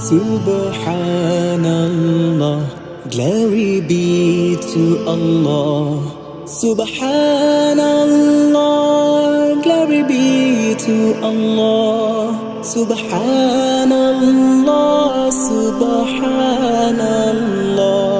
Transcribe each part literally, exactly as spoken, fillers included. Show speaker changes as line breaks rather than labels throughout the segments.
Subhanallah, glory be to Allah. Subhanallah, glory be to Allah. Subhanallah, Subhanallah,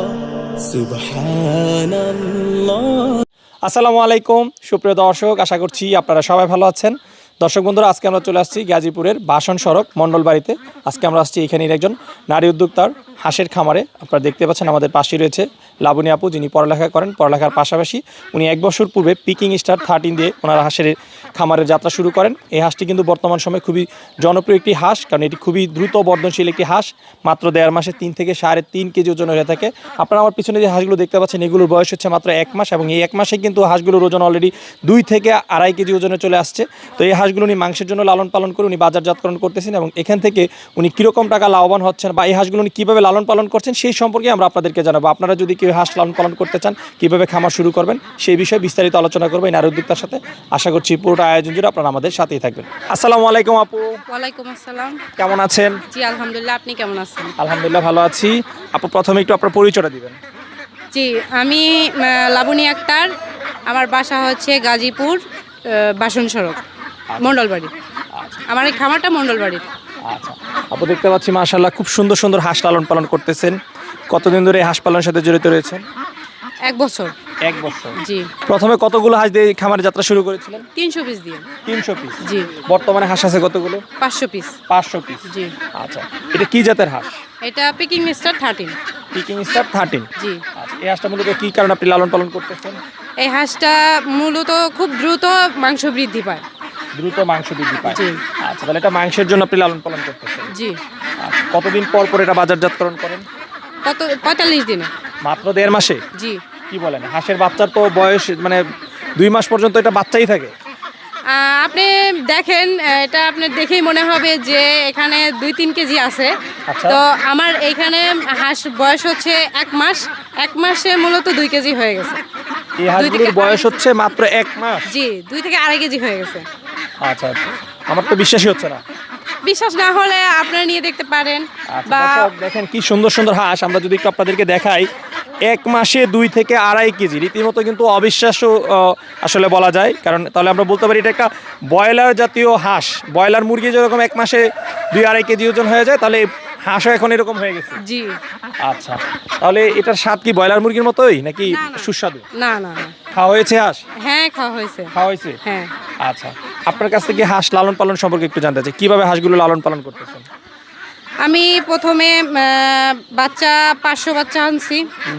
Subhanallah.
আসসালামু আলাইকুম সুপ্রিয় দর্শক, আশা করছি আপনারা সবাই ভালো আছেন। দর্শক বন্ধুরা, আজকে আমরা চলে আসছি গাজীপুরের বাসন সড়ক মণ্ডল বাড়িতে। আজকে আমরা আসছি এখানের একজন নারী উদ্যোক্তার হাঁসের খামারে। আপনারা দেখতে পাচ্ছেন আমাদের পাশেই রয়েছে লাবণী আপু, যিনি পড়ালেখা করেন। পড়ালেখার পাশাপাশি উনি এক বছর পূর্বে পিকিং স্টার থার্টিন দিয়ে ওনার হাঁসের খামারের যাত্রা শুরু করেন। এই হাঁসটি কিন্তু বর্তমান সময়ে খুবই জনপ্রিয় একটি হাঁস, কারণ এটি খুবই দ্রুত বর্ধনশীল একটি হাঁস। মাত্র দেড় মাসে তিন থেকে সাড়ে তিন কেজি ওজন হয়ে থাকে। আপনারা আমার পিছনে যে হাঁসগুলো দেখতে পাচ্ছেন, এগুলোর বয়স হচ্ছে মাত্র এক মাস, এবং এই এক মাসে কিন্তু হাঁসগুলোর ওজন অলরেডি দুই থেকে আড়াই কেজি ওজনে চলে আসছে। তো এই হাঁসগুলো উনি মাংসের জন্য লালন পালন করে উনি বাজারজাতকরণ করতেছেন, এবং এখান থেকে উনি কীরকম টাকা লাভবান হচ্ছেন বা এই হাঁসগুলো উনি কীভাবে লালন পালন করছেন সেই সম্পর্কে আমরা আপনাদেরকে জানাবো। আপনারা যদি কেউ হাঁস লালন পালন করতে চান, কীভাবে খামার শুরু করবেন সেই বিষয়ে বিস্তারিত আলোচনা করবো এই নারী উদ্যোক্তার সাথে। আশা করছি পুরোটা আয়োজন জুড়ে আপনারা আমাদের সাথেই থাকবেন। আসসালামু আলাইকুম আপু।
ওয়ালাইকুম আসসালাম।
কেমন আছেন?
জি আলহামদুলিল্লাহ, আপনি কেমন আছেন?
আলহামদুলিল্লাহ ভালো আছি। আপু, প্রথমে একটু আপনার পরিচয়টা দিবেন।
জি, আমি আহ, লাবণী আক্তার। আমার বাসা হচ্ছে গাজীপুর আহ, বাসন সড়ক মণ্ডলবাড়ি। আমার এই খামারটা মণ্ডলবাড়ি।
আচ্ছা আপু, দেখতে পাচ্ছি মাশাআল্লাহ খুব সুন্দর সুন্দর হাঁস লালন পালন করতেছেন। কতদিন ধরে এই হাঁস পালনের সাথে জড়িত রয়েছেন?
এক বছর।
এক বছর।
জি।
প্রথমে কতগুলো হাঁস দিয়ে খামারে যাত্রা শুরু করেছিলেন?
তিনশো পিস দিয়ে।
তিনশো পিস।
জি।
বর্তমানে হাঁস আছে কতগুলো?
পাঁচশো পিস।
পাঁচশো পিস।
জি।
আচ্ছা, এটা কি জাতের হাঁস?
এটা Peking star thirteen.
Peking star thirteen.
জি।
আচ্ছা, এই হাঁসটা মূলত কি কারণে আপনি লালন পালন করতেছেন?
এই হাঁসটা মূলত খুব দ্রুত মাংস বৃদ্ধি পায়।
দ্রুত মাংস বৃদ্ধি পায়।
জি।
আচ্ছা, তাহলে এটা মাংসের জন্য আপনি লালন পালন করতেছেন?
জি।
আচ্ছা, কতদিন পর পর এটা বাজারজাতকরণ করেন?
কত পঁয়তাল্লিশ দিনে।
মাত্র দেড় মাসে?
জি।
কি বলেন, হাঁসের বাচ্চার তো বয়স মানে দুই মাস পর্যন্ত এটা বাচ্চাই থাকে?
আহ, আপনি দেখেন, এটা আপনার দেখেই মনে হবে যে এখানে দুই তিন কেজি আছে।
আচ্ছা।
তো আমার এইখানে হাঁস বয়স হচ্ছে এক মাস। এক মাসে মূলত দুই কেজি হয়ে গেছে।
এই হাঁসগুলোর বয়স হচ্ছে মাত্র এক মাস?
জি, দুই থেকে আড়াই কেজি হয়ে গেছে।
আচ্ছা আচ্ছা, আমার তো বিশ্বাসই হচ্ছে না।
বিশ্বাস না হলে আপনারা নিয়ে দেখতে পারেন।
আচ্ছা,
বা
দর্শক দেখেন কি সুন্দর সুন্দর হাঁস। আমরা যদি একটু আপনাদেরকে দেখাই, এক মাসে দুই থেকে আড়াই কেজি, রীতিমতো কিন্তু অবিশ্বাস্য আহ, আসলে বলা যায়। কারণ তাহলে আমরা বলতে পারি এটা একটা ব্রয়লার জাতীয় হাঁস। ব্রয়লার মুরগি যেরকম এক মাসে দুই আড়াই কেজি ওজন হয়ে যায়, তাহলে হাঁসও এখন এরকম হয়ে গেছে।
জি।
আচ্ছা, তাহলে এটার স্বাদ কি ব্রয়লার মুরগির মতোই নাকি
না, না।
সুস্বাদু?
না না না।
খাওয়া হয়েছে হাঁস?
হ্যাঁ, খাওয়া হয়েছে।
খাওয়া হয়েছে।
হ্যাঁ।
আচ্ছা, আপনার কাছ থেকে হাঁস লালন পালন সম্পর্কে একটু জানতে চাই, কিভাবে হাঁসগুলো লালন পালন করতেছেন?
আমি প্রথমে আহ, বাচ্চা পাঁচশো বাচ্চা আনছি।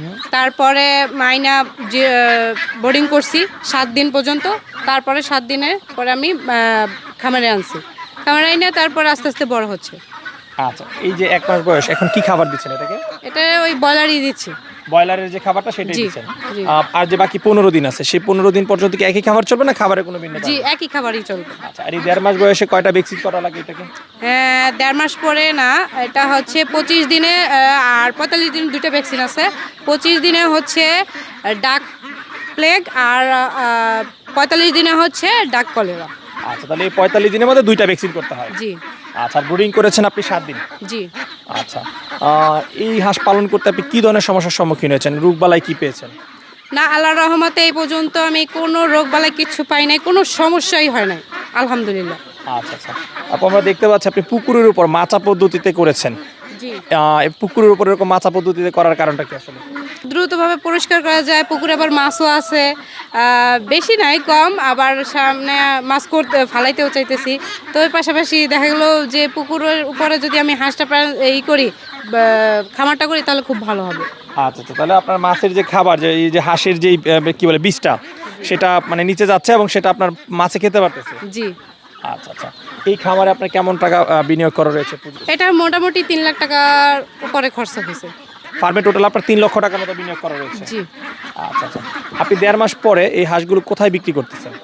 তারপরে মাইনা যে বোর্ডিং করছি সাত দিন পর্যন্ত। তারপরে সাত দিনের পরে আমি আহ, খামারে আনছি। খামারে আইনে তারপর আস্তে আস্তে বড় হচ্ছে।
আচ্ছা, এই যে এক মাস বয়স, এখন কি খাবার দিচ্ছেন এটাকে?
এটা ওই ব্রয়লারই দিচ্ছি।
ব্রয়লারের যে খাবারটা সেটাই
জি,
দিচ্ছেন?
জি।
আহ, আর যে বাকি পনেরো দিন আছে, সেই পনেরো দিন পর্যন্ত কি একই খাবার চলবে না খাবারের কোনো ভিন্নতা?
জি, একই খাবারই চলবে।
আচ্ছা, আর এই দেড় মাস বয়সে কয়টা ভ্যাকসিন করা লাগে এটাকে?
হ্যাঁ, দেড় মাস পরে না, এটা হচ্ছে পঁচিশ দিনে আহ, আর পঁয়তাল্লিশ দিন দুটো ভ্যাকসিন আছে। পঁচিশ দিনে হচ্ছে ডাক প্লেগ, আর আহ, পঁয়তাল্লিশ দিনে হচ্ছে ডাক কলেরা।
আচ্ছা, তাহলে এই পঁয়তাল্লিশ দিনের মধ্যে দুইটা ভ্যাকসিন করতে হয়?
জি।
আচ্ছা, ব্রুডিং করেছেন আপনি সাত দিন?
জি।
আচ্ছা, আহ, এই হাঁস পালন করতে আপনি কি ধরনের সমস্যার সম্মুখীন হয়েছেন? রোগ বালাই কি পেয়েছেন?
না, আল্লাহর রহমতে এই পর্যন্ত আমি কোনো রোগ বালাই কিচ্ছু পাই নাই, কোনো সমস্যাই হয় নাই আলহামদুলিল্লাহ।
আচ্ছা আচ্ছা, আপু আমরা দেখতে পাচ্ছি আপনি পুকুরের উপর মাচা পদ্ধতিতে করেছেন।
জি।
আহ, এই পুকুরের উপর এরকম মাচা পদ্ধতিতে করার কারণটা কি আসলে?
দ্রুতভাবে পরিষ্কার করা যায়। পুকুরে আবার মাছও আছে, আহ, বেশি নাই, কম। আবার সামনে মাছ করতে ফালাইতেও চাইতেছি। তো এর পাশাপাশি দেখা গেলো যে পুকুরের উপরে যদি আমি হাঁসটা প্রায় এই করি, বা খামারটা করি, তাহলে খুব ভালো হবে।
আচ্ছা আচ্ছা, তাহলে আপনার মাছের যে খাবার, যে এই যে হাঁসের যেই আহ, কি বলে বীজটা, সেটা মানে নিচে যাচ্ছে এবং সেটা আপনার মাছে খেতে পারতেছে?
জি।
আচ্ছা আচ্ছা, এই খামারে আপনার কেমন টাকা আহ, বিনিয়োগ করা রয়েছে?
এটা মোটামুটি তিন লাখ টাকার উপরে খরচা হয়েছে।
ফার্মে টোটাল আপনার তিন লক্ষ টাকার মতো বিনিয়োগ করা রয়েছে?
জি।
আচ্ছা আচ্ছা, আপনি দেড় মাস পরে এই হাঁসগুলো কোথায় বিক্রি করতেছেন?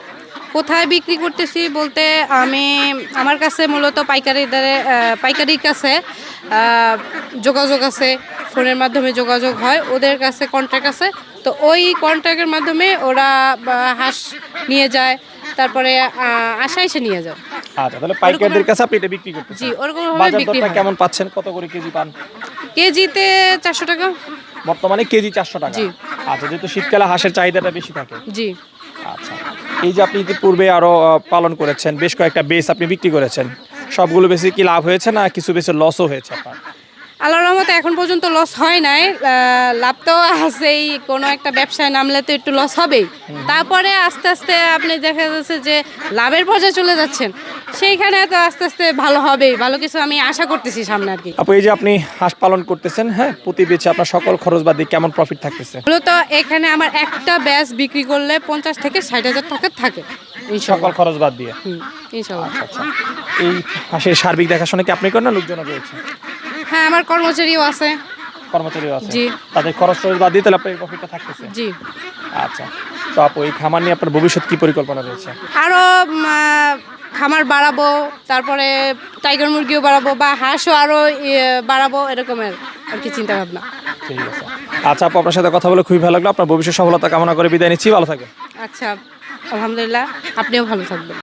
কোথায় বিক্রি করতেছি বলতে আমি আমার কাছে মূলত পাইকারি দরে আহ, পাইকারির কাছে আহ, যোগাযোগ আছে, ফোনের মাধ্যমে যোগাযোগ হয়, ওদের কাছে কন্ট্যাক্ট আছে। তো ওই কন্ট্যাক্টের মাধ্যমে ওরা বা, হাঁস নিয়ে যায়, তারপরে আহ, আশা এসে নিয়ে যায়।
আচ্ছা, তাহলে পাইকারদের কাছে আপনি এটা বিক্রি করতেছেন।
জি, ওরকম ভাবে
বাজার
বিক্রি
দরটা
হয়।
কেমন পাচ্ছেন? কত করে কেজি পান?
কেজিতে চারশো টাকা।
বর্তমানে কেজি চারশো টাকা।
জি।
আচ্ছা, যেহেতু শীতকালে হাঁসের চাহিদাটা বেশি থাকে।
জি।
আচ্ছা, এই যে আপনি ইতিপূর্বে আরো আহ, পালন করেছেন, বেশ কয়েকটা বেস আপনি বিক্রি করেছেন, সবগুলো বেশি কি লাভ হয়েছে না কিছু বেশি লসও হয়েছে আপনার?
আল্লাহর রহমতে এখন পর্যন্ত লস হয় নাই। আহ, লাভ তো আছেই, কোনো একটা ব্যবসায় নামলে তো একটু লস হবেই। তারপরে আস্তে আস্তে আপনি দেখা যাচ্ছে যে লাভের পর্যায়ে চলে যাচ্ছেন, সেইখানে তো আস্তে আস্তে ভালো হবেই, ভালো কিছু আমি আশা করতেছি সামনে আর কি।
আপু, এই যে আপনি হাঁস পালন করতেছেন, হ্যাঁ, প্রতি বেচে আপনার সকল খরচ বাদ দিয়ে কেমন প্রফিট থাকতেছে?
মূলত এখানে আমার একটা ব্যাচ বিক্রি করলে পঞ্চাশ থেকে ষাট হাজার টাকা থাকে
সকল
ইনশাল্লাহ।
খরচ বাদ দিয়ে?
হুম, ইনশাল্লাহ।
আচ্ছা, এই হাঁসের সার্বিক দেখাশোনা কি আপনি করেন না লোকজন রয়েছে?
হ্যাঁ, আমার কর্মচারীও আছে।
কর্মচারীও আছে?
জি।
তাদের খরচ টরচ বাদ দিয়ে তাহলে আপনার এই প্রফিটটা থাকতেছে?
জি।
আচ্ছা, তো আপু এই খামার নিয়ে আপনার ভবিষ্যৎ কি পরিকল্পনা রয়েছে?
আরও খামার বাড়াবো, তারপরে টাইগার মুরগিও বাড়াবো বা হাঁসও আরও বাড়াবো, এরকমের আর কি চিন্তা ভাবনা।
ঠিক আছে। আচ্ছা আপু, আপনার সাথে কথা বলে খুবই ভালো লাগলো। আপনার ভবিষ্যৎ সফলতা কামনা করে বিদায় নিচ্ছি, ভালো থাকবেন।
আচ্ছা, আলহামদুলিল্লাহ, আপনিও ভালো থাকবেন।